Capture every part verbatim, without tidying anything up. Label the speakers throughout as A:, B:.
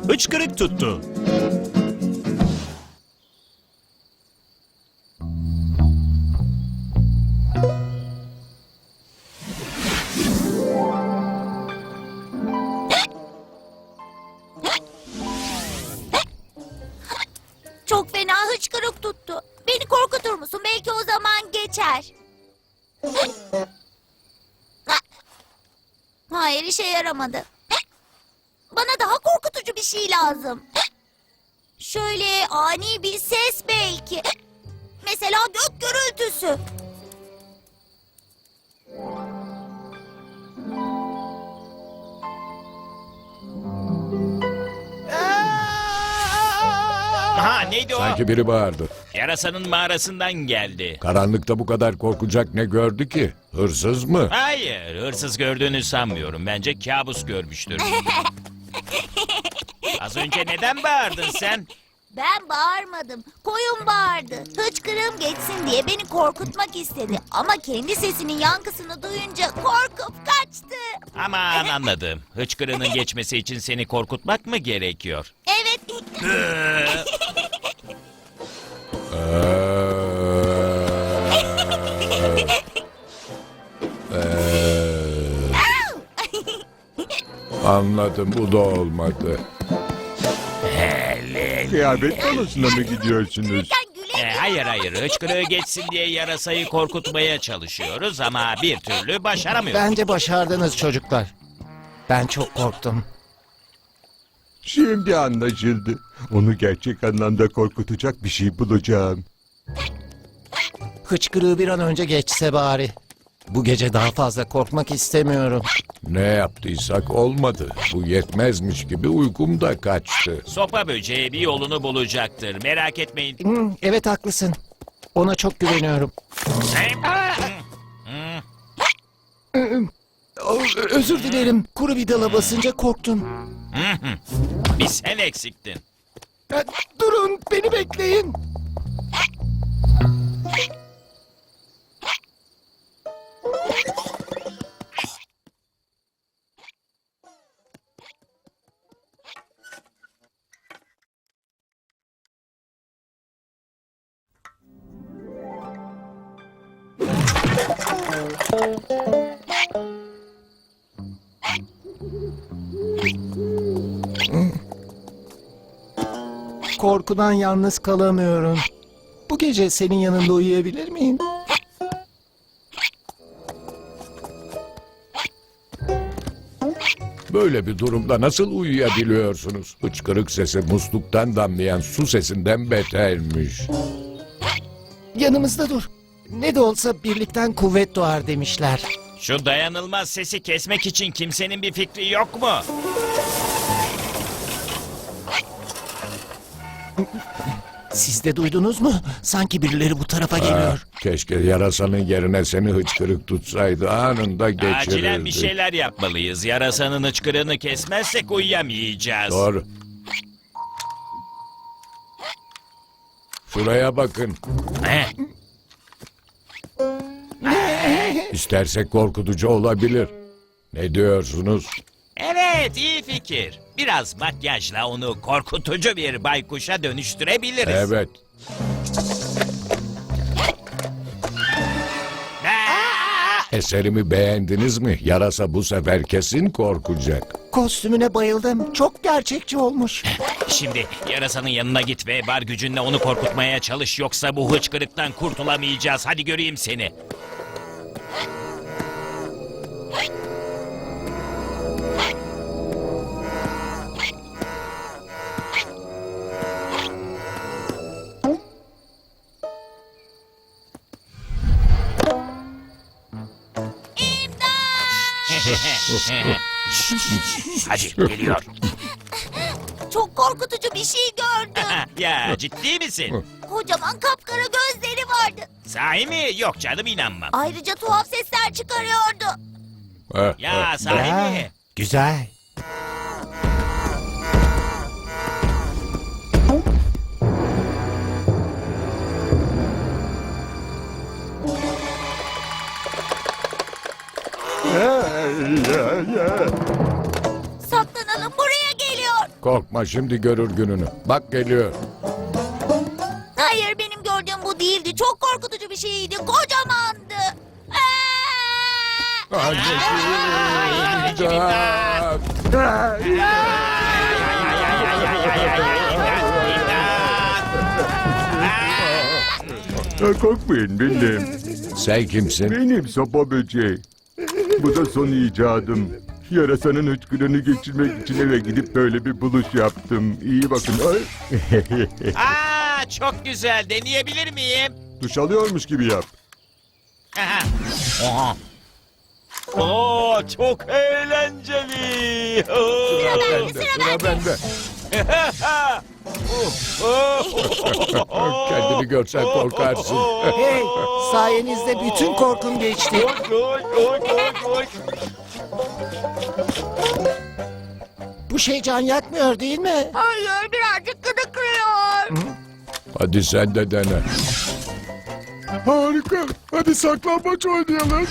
A: hıçkırık tuttu.
B: Çok fena hıçkırık tuttu. Beni korkutur musun? Belki o zaman geçer. Hayır, işe yaramadı. Bana daha korkutucu bir şey lazım. Şöyle ani bir ses belki. Mesela gök gürültüsü.
C: Ha, neydi o?
D: Sanki biri bağırdı.
C: Yarasanın mağarasından geldi.
D: Karanlıkta bu kadar korkacak ne gördü ki? Hırsız mı?
C: Hayır, hırsız gördüğünü sanmıyorum. Bence kabus görmüştür. Az önce neden bağırdın sen?
B: Ben bağırmadım. Koyun bağırdı. Hıçkırığım geçsin diye beni korkutmak istedi. Ama kendi sesinin yankısını duyunca korkup kaçtı.
C: Aman anladım. Hıçkırığının geçmesi için seni korkutmak mı gerekiyor?
B: Evet.
D: Anladım, bu da olmadı.
E: Kıyafet balosuna mı gidiyorsunuz?
B: Sen güle
C: Ee, hayır hayır, hıçkırığı geçsin diye yarasayı korkutmaya çalışıyoruz ama bir türlü başaramıyoruz.
F: Bence başardınız çocuklar. Ben çok korktum.
E: Şimdi anlaşıldı. Onu gerçek anlamda korkutacak bir şey bulacağım.
F: Hıçkırığı bir an önce geçse bari. Bu gece daha fazla korkmak istemiyorum.
D: Ne yaptıysak olmadı. Bu yetmezmiş gibi uykum da kaçtı.
C: Sopa böceği bir yolunu bulacaktır. Merak etmeyin.
F: Hmm, evet haklısın. Ona çok güveniyorum. O, özür dilerim. Kuru bir dala basınca korktum.
C: Bir sen eksiktin.
F: E, Durun, beni bekleyin. Korkudan yalnız kalamıyorum. Bu gece senin yanında uyuyabilir miyim?
D: Böyle bir durumda nasıl uyuyabiliyorsunuz? Hıçkırık sesi musluktan damlayan su sesinden betermiş.
F: Yanımızda dur. Ne de olsa birlikten kuvvet doğar demişler.
C: Şu dayanılmaz sesi kesmek için kimsenin bir fikri yok mu?
F: Siz de duydunuz mu? Sanki birileri bu tarafa geliyor.
D: Keşke yarasanın yerine seni hıçkırık tutsaydı, anında geçirirdi.
C: Acilen bir şeyler yapmalıyız. Yarasanın hıçkırığını kesmezsek uyuyamayacağız.
D: Doğru. Şuraya bakın.
C: Heh,
D: İstersek korkutucu olabilir. Ne diyorsunuz?
C: evet, iyi fikir. Biraz makyajla onu korkutucu bir baykuşa dönüştürebiliriz.
D: Evet.
C: Aa!
D: Eserimi beğendiniz mi? Yarasa bu sefer kesin korkacak.
F: Kostümüne bayıldım. Çok gerçekçi olmuş.
C: Şimdi yarasanın yanına git ve var gücünle onu korkutmaya çalış. Yoksa bu hıçkırıktan kurtulamayacağız. Hadi göreyim seni. Hadi geliyor.
B: Çok korkutucu bir şey gördüm.
C: Ya ciddi misin?
B: Kocaman kapkara gözleri vardı.
C: Sahi mi? Yok canım, inanmam.
B: Ayrıca tuhaf sesler çıkarıyordu.
D: Heh,
C: Ya
D: heh.
C: sahi mi?
F: Güzel.
B: Saklanalım, buraya geliyor.
D: korkma şimdi görür gününü. Bak geliyor.
B: Hayır, benim gördüğüm bu değildi. Çok korkutucu bir şeydi. Kocamandı. Aa!
D: Anneciğim. İmdat.
E: Ha, korkmayın benim.
D: Sen kimsin?
E: Benim sopa böceği. Bu da son icadım. Yarasanın hıçkırığını geçirmek için eve gidip böyle bir buluş yaptım. İyi bakın. Ay.
C: Aa, çok güzel. Deneyebilir miyim?
E: Duş alıyormuş gibi yap.
C: Oha. Oo, çok eğlenceli. Oo.
B: Sıra bende,
D: Bende,
B: sıra
D: sıra
B: bende.
D: bende. Kendini görsen korkarsın.
F: Hey, sayenizde bütün korkum geçti. Bu şey can yakmıyor değil mi?
B: Hayır, birazcık gıdıklıyor.
D: Hadi sen de dene.
E: Harika. Hadi saklambaç oynayalım.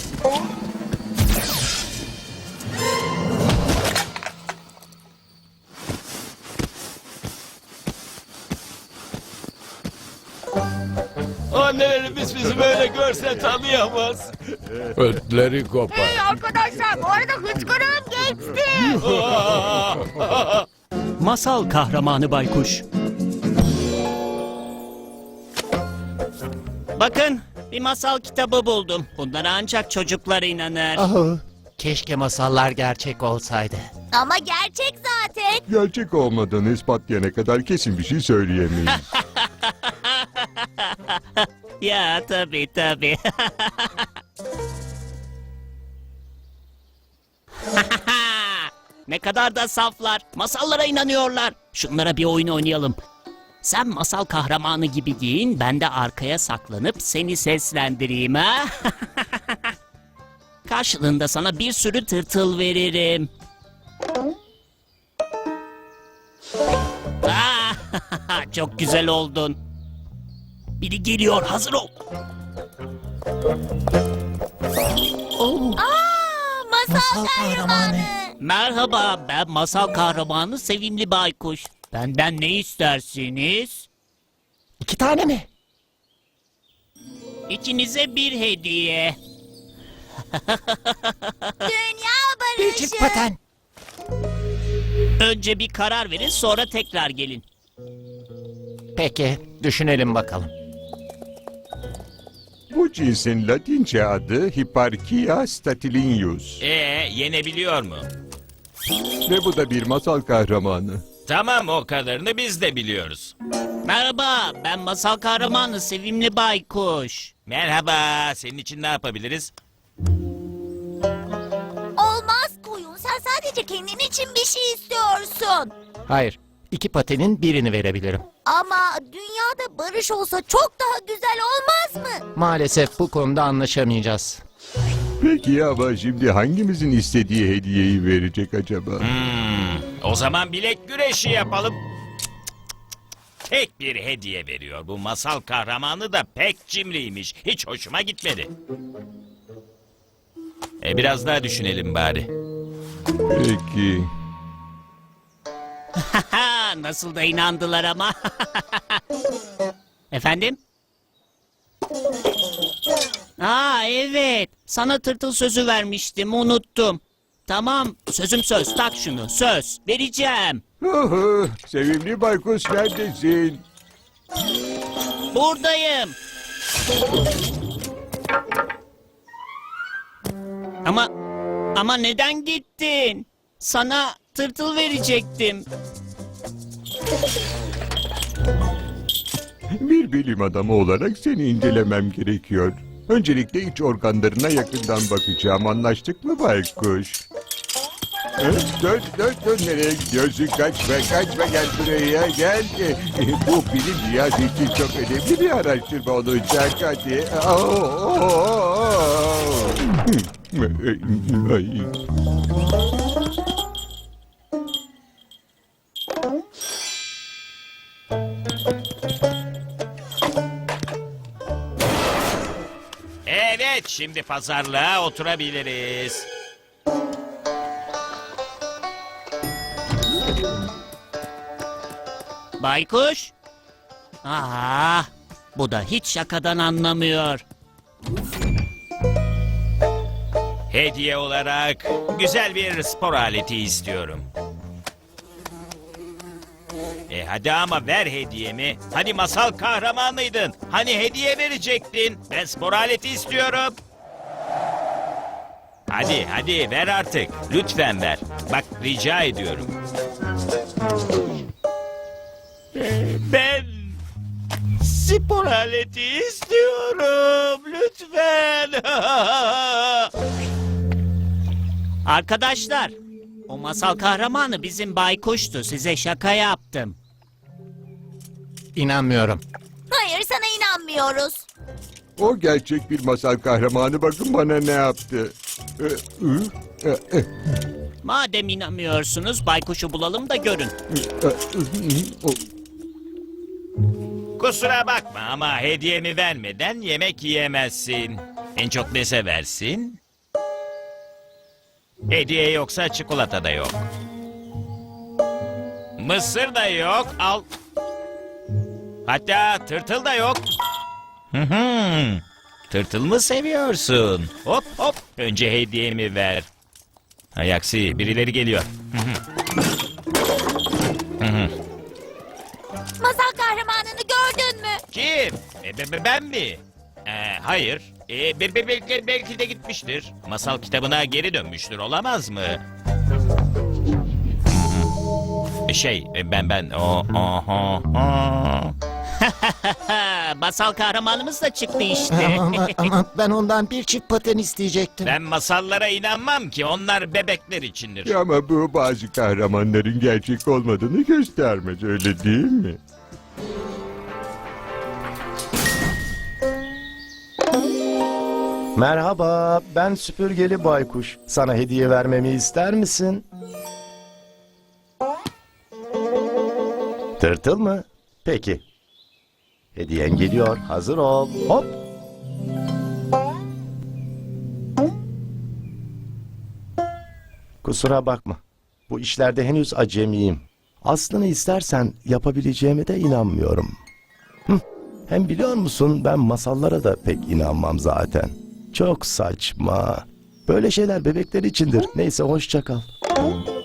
C: Annelerimiz bizi böyle görse tanıyamaz.
D: Ötleri kopar.
B: Hey arkadaşlar, bu arada hıçkırığım geçti.
A: Masal kahramanı baykuş. Bakın, bir masal kitabı buldum. Bunlara ancak çocuklar inanır.
F: Ah, keşke masallar gerçek olsaydı.
B: Ama gerçek zaten.
E: Gerçek olmadığını ispatlayana kadar kesin bir şey söyleyemeyiz.
A: Ya tabii tabii. Ne kadar da saflar. Masallara inanıyorlar. Şunlara bir oyun oynayalım. Sen masal kahramanı gibi giyin, ben de arkaya saklanıp seni seslendireyim ha. Karşılığında sana bir sürü tırtıl veririm. Ah, çok güzel oldun. Biri geliyor, hazır ol.
B: Aa, masal,
F: Masal
B: kahramanı.
F: kahramanı.
A: Merhaba, ben masal kahramanı Sevimli Baykuş. Benden ne istersiniz?
F: İki tane mi?
A: İkinize bir hediye.
B: Dünya
F: Bir
B: barışı.
F: çift paten.
A: Önce bir karar verin, sonra tekrar gelin.
F: Peki, düşünelim bakalım.
E: Bu cinsin Latince adı Hipparchia statilineus.
C: Ee, yenebiliyor mu?
E: Ve bu da bir masal kahramanı.
C: Tamam, o kadarını biz de biliyoruz.
A: Merhaba, ben masal kahramanı Sevimli Baykuş.
C: Merhaba, senin için ne yapabiliriz?
B: Olmaz koyun. Sen sadece kendin için bir şey istiyorsun.
F: Hayır, iki patenin birini verebilirim.
B: Ama dünyada barış olsa çok daha güzel olmaz mı?
F: Maalesef bu konuda anlaşamayacağız.
E: Peki ama şimdi hangimizin istediği hediyeyi verecek acaba?
C: Hmm, o zaman bilek güreşi yapalım. Tek bir hediye veriyor. Bu masal kahramanı da pek cimriymiş. Hiç hoşuma gitmedi. E biraz daha düşünelim bari.
E: Peki.
A: Haha, nasıl da inandılar ama. Efendim? Aa evet, sana tırtıl sözü vermiştim, unuttum. Tamam, sözüm söz, tak şunu, söz, vereceğim.
E: Oho, sevimli baykuş neredesin?
A: Buradayım. Ama, ama neden gittin? Sana tırtıl verecektim.
E: Bir bilim adamı olarak seni incelemem gerekiyor. Öncelikle iç organlarına yakından bakacağım. Anlaştık mı baykuş? Hı? Dön, dön, dön. Nereye gidiyorsun? Kaçma, kaçma. Gel buraya, gel. Bu bilim dünyası için çok önemli bir araştırma olacak. Hadi. Oo, oo, oo. Ay.
C: Evet, şimdi pazarlığa oturabiliriz.
A: Baykuş? Aa, bu da hiç şakadan anlamıyor.
C: Hediye olarak güzel bir spor aleti istiyorum. E hadi ama ver hediyemi. Hani masal kahramanıydın. Hani hediye verecektin. Ben spor aleti istiyorum. Hadi hadi ver artık. Lütfen ver. Bak rica ediyorum. Ben spor aleti istiyorum. Lütfen.
A: Arkadaşlar, o masal kahramanı bizim baykuştu. Size şaka yaptım.
F: İnanmıyorum.
B: Hayır, sana inanmıyoruz.
E: O gerçek bir masal kahramanı, bakın bana ne yaptı. Ee, ı, e, e,
A: Madem inanmıyorsunuz, baykuşu bulalım da görün.
E: e, e, o-
C: Kusura bakma ama hediyemi vermeden yemek yiyemezsin. En çok ne seversin? Hediye yoksa çikolata da yok. Mısır da yok. Al. Hatta tırtıl da yok. Hı hı. Tırtıl mı seviyorsun? Hop hop. Önce hediyemi ver. Hay aksi birileri geliyor.
B: Masal kahramanını gördün mü?
C: Kim? E, be- be- ben mi? Ee, hayır. E, be- be- belki, belki de gitmiştir. Masal kitabına geri dönmüştür, olamaz mı? E, Şey, e, ben ben o aha, aha.
A: Masal kahramanımız da çıktı işte.
F: ama, ama ben ondan bir çift paten isteyecektim.
C: Ben masallara inanmam ki, onlar bebekler içindir.
E: Ya ama bu bazı kahramanların gerçek olmadığını göstermez, öyle değil mi?
G: Merhaba, ben süpürgeli baykuş. Sana hediye vermemi ister misin? Tırtıl mı? Peki. Hediyen geliyor, hazır ol. Hop! Kusura bakma. Bu işlerde henüz acemiyim. Aslını istersen yapabileceğime de inanmıyorum. Hıh, hem biliyor musun, ben masallara da pek inanmam zaten. Çok saçma. Böyle şeyler bebekler içindir. Neyse, hoşça kal.